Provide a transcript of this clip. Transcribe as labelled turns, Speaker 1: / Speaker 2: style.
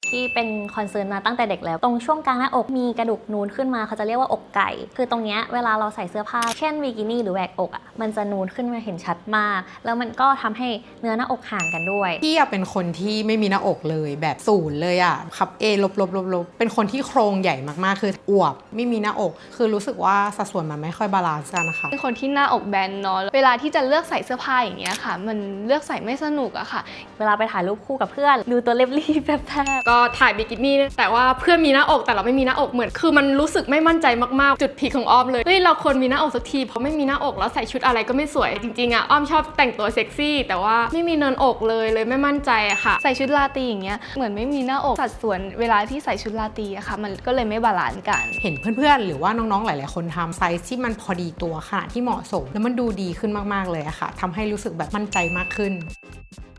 Speaker 1: ที่เป็นคอนเซิร์นมาตั้งแต่เด็กแล้วตรงช่วงกลางหน้าอกมีกระดูกนูนขึ้นมาเขาจะเรียกว่าอกไก่คือตรงเนี้ยเวลาเราใส่เสื้อผ้าเช่นบิกินี่หรือแหวกอกมันจะนูนขึ้นมาเห็นชัดมากแล้วมันก็ทำให้เนื้อหน้าอกห่างกันด้วย
Speaker 2: พี่เป็นคนที่ไม่มีหน้าอกเลยแบบศูนย์เลยขับ A ลบเป็นคนที่โครงใหญ่มากๆคืออวบไม่มีหน้าอกคือรู้สึกว่าสัดส่วนมันไม่ค่อยบาลานซ์กันนะคะ
Speaker 3: เป็นคนที่หน้าอกแบนเนาะเวลาที่จะเลือกใส่เสื้อผ้าอย่างเงี้ยค่ะมันเลือกใส่ไม่สนุกอะค่ะ
Speaker 1: เวลาไปถ่ายรูปคู่กับเพื่อนดูตัวเรียบๆแบบ
Speaker 4: ก็ถ่ายบิกินี่แต่ว่าเพื่อนมีหน้าอกแต่เราไม่มีหน้าอกเหมือนคือมันรู้สึกไม่มั่นใจมากๆจุดพีคของอ้อมเลยเฮ้ยเราควรมีหน้าอกสักทีเพราะไม่มีหน้าอกแล้วใส่ชุดอะไรก็ไม่สวยจริงๆอ้อมชอบแต่งตัวเซ็กซี่แต่ว่าไม่มีเนินอกเลยไม่มั่นใจอะค่ะ
Speaker 3: ใส่ชุดราตรีอย่างเงี้ยเหมือนไม่มีหน้าอกสัดส่วนเวลาที่ใส่ชุดราตรีอะค่ะมันก็เลยไม่บาลานซ์กัน
Speaker 2: เห็นเพื่อนๆหรือว่าน้องๆหลายๆคนทำไซส์ที่มันพอดีตัวขนาดที่เหมาะสมแล้วมันดูดีขึ้นมากๆเลยอะค่ะทำให้รู้สึกแบบมั่นใจมากขึ้น